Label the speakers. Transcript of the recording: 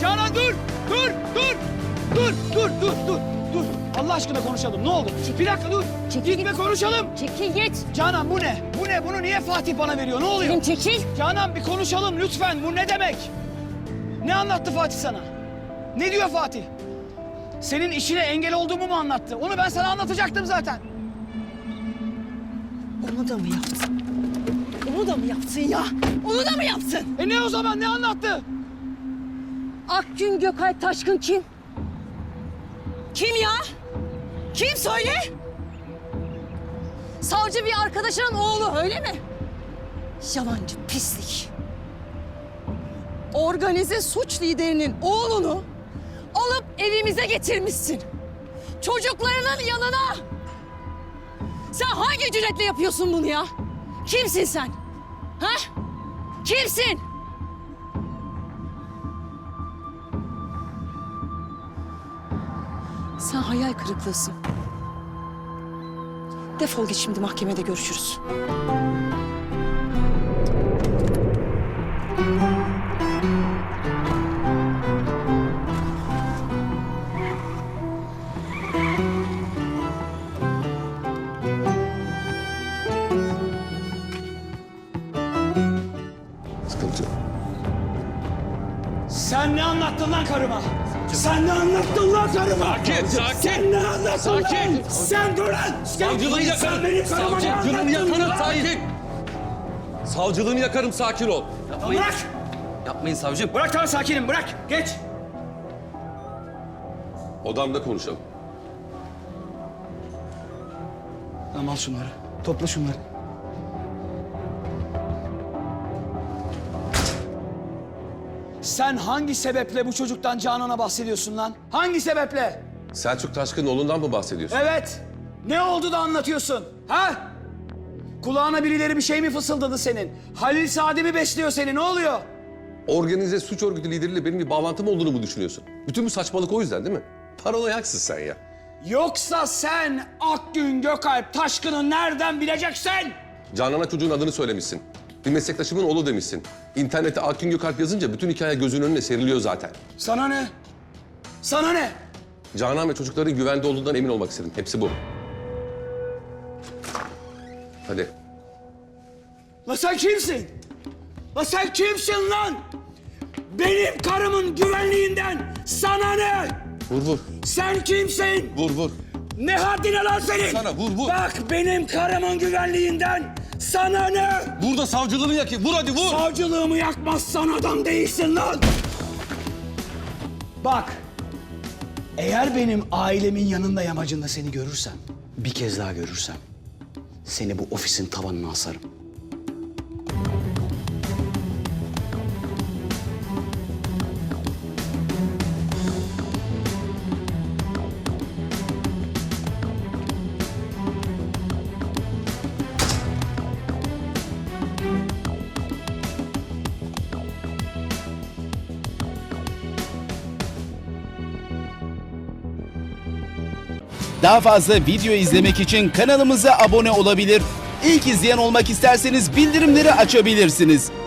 Speaker 1: Canan dur! Dur! Dur! Dur! Dur! Dur! Dur! Dur! Allah aşkına konuşalım. Ne olur? Bir dakika dur. Gitme konuşalım.
Speaker 2: Çekil git.
Speaker 1: Canan bu ne? Bu ne? Bunu niye Fatih bana veriyor? Ne oluyor?
Speaker 2: Selim çekil.
Speaker 1: Canan bir konuşalım lütfen. Bu ne demek? Ne anlattı Fatih sana? Ne diyor Fatih? Senin işine engel olduğumu mu anlattı? Onu ben sana anlatacaktım zaten.
Speaker 2: Onu da mı yaptın? Onu da mı yaptın ya? Onu da mı yaptın?
Speaker 1: Ne o zaman? Ne anlattı?
Speaker 2: Akgün Gökalp Taşkın kim? Kim ya? Kim söyle? Savcı bir arkadaşının oğlu öyle mi? Yalancı pislik. Organize suç liderinin oğlunu alıp evimize getirmişsin. Çocuklarının yanına. Sen hangi cüretle yapıyorsun bunu ya? Kimsin sen? Ha? Kimsin? Sen hayal kırıklığısın. Defol git şimdi, mahkemede görüşürüz.
Speaker 3: Sıkıntı yok.
Speaker 1: Sen ne anlattın lan karıma? Sen ne anlattın lan karıma?
Speaker 3: Sakin, sakin.
Speaker 1: Sen ne anlattın
Speaker 3: Sakin.
Speaker 1: lan? Sen dur lan!
Speaker 3: Savcılığı yakarım.
Speaker 1: Sen benim karıma ne
Speaker 3: Savcılığını
Speaker 1: anlattın
Speaker 3: yakarım,
Speaker 1: lan?
Speaker 3: sakin. Savcılığını yakarım, sakin ol.
Speaker 1: Bırak!
Speaker 3: Yapmayın savcım.
Speaker 1: Bırak tamam sakinim bırak. Geç.
Speaker 3: Odamda konuşalım.
Speaker 1: Tamam al şunları. Topla şunları. Sen hangi sebeple bu çocuktan Canan'a bahsediyorsun lan? Hangi sebeple?
Speaker 3: Selçuk Taşkın'ın oğlundan mı bahsediyorsun?
Speaker 1: Evet. Ne oldu da anlatıyorsun? Ha? Kulağına birileri bir şey mi fısıldadı senin? Halil Sadi mi besliyor seni? Ne oluyor?
Speaker 3: Organize suç örgütü lideriyle benim bir bağlantım olduğunu mu düşünüyorsun? Bütün bu saçmalık o yüzden değil mi? Paranoyaksın sen ya.
Speaker 1: Yoksa sen Akgün Gökalp Taşkın'ı nereden bileceksin?
Speaker 3: Canan'a çocuğun adını söylemişsin. Bir meslektaşımın oğlu demişsin. İnternete Akgün Gökalp yazınca bütün hikaye gözünün önüne seriliyor zaten.
Speaker 1: Sana ne? Sana ne?
Speaker 3: Canan ve çocukların güvende olduğundan emin olmak istedim. Hepsi bu. Hadi.
Speaker 1: La sen kimsin? La sen kimsin lan? Benim karımın güvenliğinden sana ne?
Speaker 3: Vur vur.
Speaker 1: Sen kimsin?
Speaker 3: Vur vur.
Speaker 1: Ne haddine lan senin?
Speaker 3: Sana vur vur.
Speaker 1: Bak benim karımın güvenliğinden sana ne?
Speaker 3: Vur da savcılığını yakayım. Vur hadi vur.
Speaker 1: Savcılığımı yakmazsan adam değilsin lan. Bak. Eğer benim ailemin yanında yamacında seni görürsem, bir kez daha görürsem, seni bu ofisin tavanına asarım.
Speaker 4: Daha fazla video izlemek için kanalımıza abone olabilir. İlk izleyen olmak isterseniz bildirimleri açabilirsiniz.